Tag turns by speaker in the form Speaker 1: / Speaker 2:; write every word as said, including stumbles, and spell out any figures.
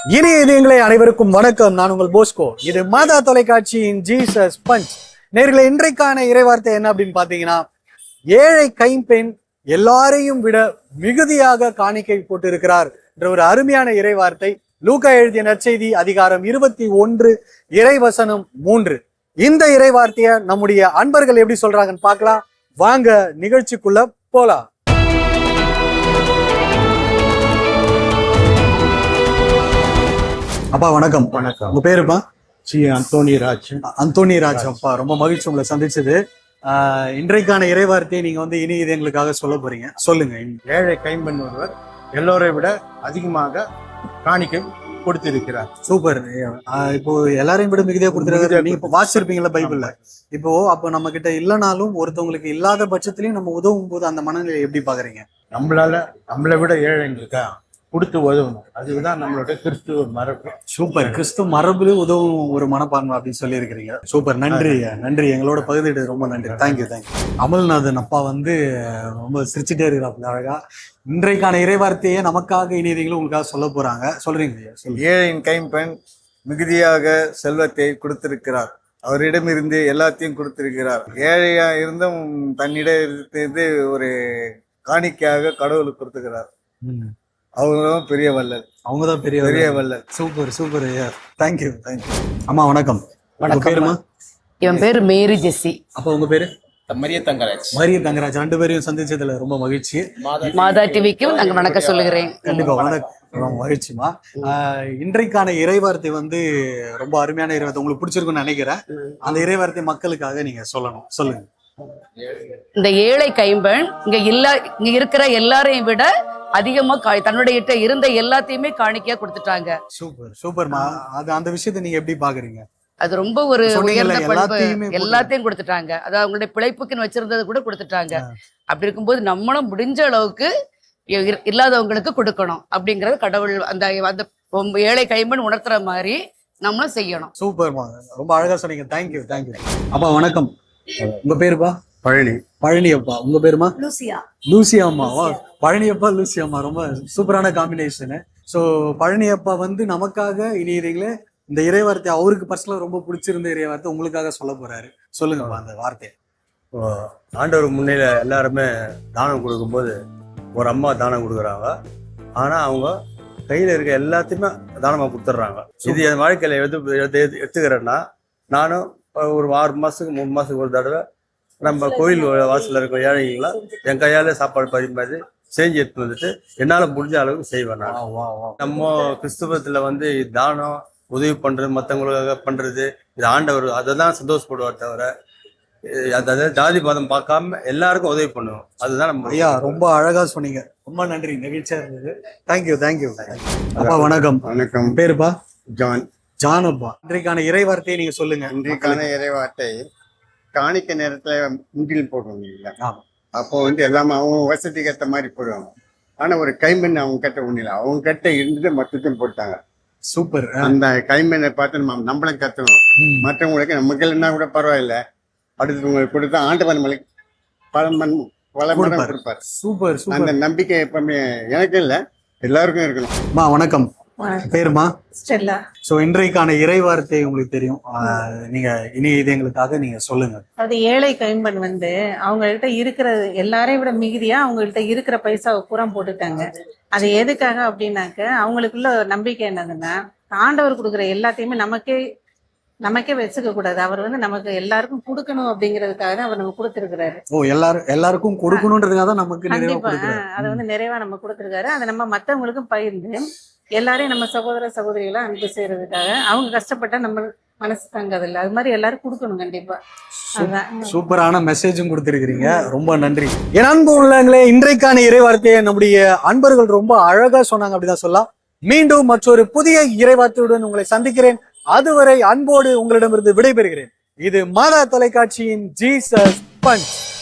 Speaker 1: இனிய இதயங்களே அனைவருக்கும் வணக்கம். நான் உங்கள் போஸ்கோ. இது மாதா தொலைக்காட்சியின் ஜீசஸ் பஞ்ச். நேர்களை இன்றைக்கான இறைவார்த்தை என்ன அப்படின்னு பாத்தீங்கன்னா, ஏழை கைம்பெண் எல்லாரையும் விட மிகுதியாக காணிக்கை போட்டிருக்கிறார் என்ற ஒரு அருமையான இறைவார்த்தை. லூக்கா எழுதிய நற்செய்தி அதிகாரம் இருபத்தி ஒன்று இறைவசனம் மூன்று. இந்த இறைவார்த்தைய நம்முடைய அன்பர்கள் எப்படி சொல்றாங்கன்னு பார்க்கலாம். வாங்க நிகழ்ச்சிக்குள்ள போலாம். அப்பா வணக்கம்.
Speaker 2: வணக்கம்.
Speaker 1: உங்க பேருப்பா?
Speaker 2: சி அந்தோனி ராஜ்.
Speaker 1: அந்தோனி ராஜ். அப்பா ரொம்ப மகிழ்ச்சி உங்களை சந்திச்சது. ஆஹ் இன்றைக்கான இறைவார்த்தையை நீங்க வந்து இனி இது எங்களுக்காக சொல்ல போறீங்க. சொல்லுங்க.
Speaker 2: ஏழை கைம்பெண் ஒருவர் எல்லோரை விட அதிகமாக காணிக்கை கொடுத்திருக்கிறார்.
Speaker 1: சூப்பர். இப்போ எல்லாரையும் விட மிகுதியா கொடுத்துருக்காரு. நீங்க இப்போ வாசிச்சிருப்பீங்களா பைபிள்ல? இப்போ அப்போ நம்ம கிட்ட இல்லைனாலும் ஒருத்தவங்களுக்கு இல்லாத பட்சத்திலையும் நம்ம உதவும் போது அந்த மனநிலை எப்படி பாக்குறீங்க?
Speaker 2: நம்மளால நம்மளை விட ஏழைங்களுக்கா கொடுத்து உதவணும். அதுதான் நம்மளோட கிறிஸ்துவ மரபு.
Speaker 1: சூப்பர். கிறிஸ்துவ மரபுல உதவும் ஒரு மனப்பான்மை அப்படின்னு சொல்லி இருக்கிறீங்க. சூப்பர். நன்றி நன்றி. எங்களோட பகுதிட்டு ரொம்ப நன்றி. Thank you thank you. அமல்நாதன் அப்பா வந்து ரொம்ப சிரிச்சுட்டே இருக்கிறாங்க அழகா. இன்றைக்கான இறைவார்த்தையே நமக்காக இனியதைகளும் உங்களுக்காக சொல்ல போறாங்க. சொல்றீங்க.
Speaker 3: ஏழையின் கைம்பெண் மிகுதியாக செல்வத்தை கொடுத்திருக்கிறார். அவரிடமிருந்து எல்லாத்தையும் கொடுத்திருக்கிறார். ஏழையா இருந்தும் தன்னிடம் இருந்து ஒரு காணிக்கையாக கடவுளுக்கு கொடுத்துக்கிறார். அவங்கதான் பெரிய வள்ளல்.
Speaker 1: அவங்கதான் பெரிய
Speaker 3: பெரிய வள்ளல்.
Speaker 1: Super super. Thank you thank you. அம்மா வணக்கம். பேருமா?
Speaker 4: இவன் பேரு மேரி ஜெஸ்ஸி.
Speaker 1: அப்ப உங்க பேரு?
Speaker 5: மரிய தங்கராஜ்.
Speaker 1: மரிய தங்கராஜ். ரெண்டு பேரையும் சந்திச்சதுல ரொம்ப மகிழ்ச்சி.
Speaker 4: மாதா டிவிக்கும் நாங்க வணக்கம் சொல்லுகிறேன்.
Speaker 1: கண்டிப்பா வணக்கம். ரொம்ப மகிழ்ச்சிமா. இன்றைக்கான இறைவார்த்தை வந்து ரொம்ப அருமையான இறைவார்த்தை. உங்களுக்கு பிடிச்சிருக்குன்னு நினைக்கிறேன். அந்த இறைவார்த்தை மக்களுக்காக நீங்க சொல்லணும். சொல்லுங்க.
Speaker 4: இந்த ஏழை கைம்பெண் இங்க இல்ல இங்க இருக்கிற எல்லாரையும் விட அதிகமா தன்னுடைய இருந்த எல்லாத்தையுமே காணிக்கையா கொடுத்துட்டாங்க.
Speaker 1: சூப்பர் சூப்பர்மா. அது அந்த விஷயத்தை நீங்க எப்படி பாக்குறீங்க?
Speaker 4: அது ரொம்ப ஒரு உயர்ந்த பண்பு. எல்லாத்தையும் கொடுத்துட்டாங்க. அது அவங்களுடைய பிழைப்புக்குன்னு வச்சிருந்தது கூட கொடுத்துட்டாங்க. அப்படி இருக்கும்போது நம்மளும் முடிஞ்ச அளவுக்கு இல்லாதவங்களுக்கு கொடுக்கணும் அப்படிங்கறது கடவுள் அந்த அந்த ஏழை கைம்பெண் உணர்த்துற மாதிரி நம்மளும் செய்யணும்.
Speaker 1: சூப்பர்மா. ரொம்ப அழகா சொன்னீங்க. Thank you thank you. அப்பா வணக்கம். உங்க பேருப்பா?
Speaker 2: பழனி.
Speaker 1: பழனி அப்பா. உங்க பேருமா?
Speaker 6: லூசியா.
Speaker 1: லூசியா அம்மாவா? பழனி அப்பா லூசியா அம்மா. ரொம்ப சூப்பரான காம்பினேஷனு. ஸோ பழனி அப்பா வந்து நமக்காக இனியீங்களே இந்த இறைவார்த்தை அவருக்கு பர்சனலா ரொம்ப பிடிச்சிருந்த இறைவார்த்தை உங்களுக்காக சொல்ல போறாரு. சொல்லுங்கப்பா அந்த வார்த்தையை.
Speaker 3: ஆண்டவர் முன்னில எல்லாருமே தானம் கொடுக்கும்போது ஒரு அம்மா தானம் கொடுக்குறாங்க. ஆனா அவங்க கையில இருக்க எல்லாத்தையுமே தானமா கொடுத்துட்றாங்க. இது என் வாழ்க்கையில எது எடுத்துக்கிறேன்னா, நானும் ஒரு ஆறு மாசத்துக்கு மூணு மாசத்துக்கு ஒரு தடவை நம்ம கோயில் வாசல்ல இருக்க ஏழைங்களா என் கையால சாப்பாடு பரிமாறி செஞ்சு எடுத்து வந்துட்டு என்னால முடிஞ்ச அளவுக்கு செய்வேன். நம்ம கிறிஸ்துவத்துல வந்து தானம் உதவி பண்றது, மற்றவங்களுக்காக பண்றது, இது ஆண்டவர் அதை தான் சந்தோஷப்படுவார் தவிர அதாவது ஜாதி மதம் பார்க்காம எல்லாருக்கும் உதவி பண்ணுவோம். அதுதான் நம்ம.
Speaker 1: ஐயா ரொம்ப அழகா சொன்னீங்க. ரொம்ப நன்றி. நிகழ்ச்சியா இருந்தது. Thank you thank you. அப்பா வணக்கம்.
Speaker 2: வணக்கம்.
Speaker 1: பேருப்பா?
Speaker 2: ஜான்.
Speaker 1: ஜான் அப்பா. இன்றைக்கான இறைவார்த்தையை நீங்க சொல்லுங்க.
Speaker 2: இன்றைக்கான இறைவார்த்தை காணிக்க நேரத்துல முண்டில் போடுவாங்க இல்லைங்களா? அப்போ வந்து எல்லாமே அவங்க வசதிக்கு ஏற்ற மாதிரி போடுவாங்க. ஆனா ஒரு கைம்பெண் அவங்க கிட்ட ஒண்ணு இல்லை. அவங்க கிட்ட இருந்துட்டு மொத்தத்தையும் போட்டாங்க.
Speaker 1: சூப்பர்.
Speaker 2: அந்த கைம்பெண்ணை பார்த்து நம்ம நம்மளும் கத்தணும். மற்றவங்களுக்கு நமக்கு இல்லைன்னா கூட பரவாயில்ல, அடுத்தவங்களுக்கு கொடுத்தா ஆண்டவன் நம்மளுக்கு பல மண் பல மடம் கொடுப்பாரு.
Speaker 1: Super super.
Speaker 2: அந்த நம்பிக்கை எப்பவுமே எனக்கு இல்லை, எல்லாருக்கும் இருக்கணும்.
Speaker 1: வணக்கம். பேருமா?
Speaker 6: ஸ்டெல்லா.
Speaker 1: சோ இன்றைக்கான இறைவார்த்தை உங்களுக்கு தெரியும். நீங்க இனி இது எங்களுக்காக நீங்க சொல்லுங்க.
Speaker 6: அது ஏழை கைம்பெண் வந்து அவங்கள்ட்ட இருக்கிற எல்லாரையும் விட மிகுதியா அவங்கள்ட்ட இருக்கிற பைசாவை பூரா போட்டுட்டாங்க. அது எதுக்காக அப்படின்னாக்க அவங்களுக்குள்ள நம்பிக்கை என்னதுன்னா, ஆண்டவர் கொடுக்குற எல்லாத்தையுமே நமக்கே நமக்கே வச்சுக்க கூடாது. அவர் வந்து நமக்கு எல்லாருக்கும் கொடுக்கணும் அப்படிங்கிறதுக்காக தான் அவர் நமக்கு கொடுத்திருக்கிறாரு.
Speaker 1: ஓ எல்லாரும் எல்லாருக்கும் கொடுக்கணும்ன்றதுக்காக தான் நமக்கு
Speaker 6: கண்டிப்பா அதை வந்து நிறைவா நம்ம கொடுத்திருக்காரு. அதை நம்ம மற்றவங்களுக்கும் பகிர்ந்து எல்லாரையும் நம்ம சகோதர சகோதரிகளா அன்பு செய்யறதுக்காக அவங்க கஷ்டப்பட்டா நம்ம மனசு தங்காதில்ல, அது மாதிரி எல்லாரும் கொடுக்கணும் கண்டிப்பா.
Speaker 1: சூப்பரான மெசேஜும் கொடுத்திருக்கிறீங்க. ரொம்ப நன்றி. என் அன்பு உள்ளங்களே, இன்றைக்கான இறைவார்த்தையை நம்முடைய அன்பர்கள் ரொம்ப அழகா சொன்னாங்க அப்படிதான் சொல்லலாம். மீண்டும் மற்றொரு புதிய இறைவார்த்தையுடன் உங்களை சந்திக்கிறேன். அதுவரை அன்போடு உங்களிடமிருந்து விடைபெறுகிறேன். இது மாதா தொலைக்காட்சியின் ஜீசஸ் பஞ்ச்.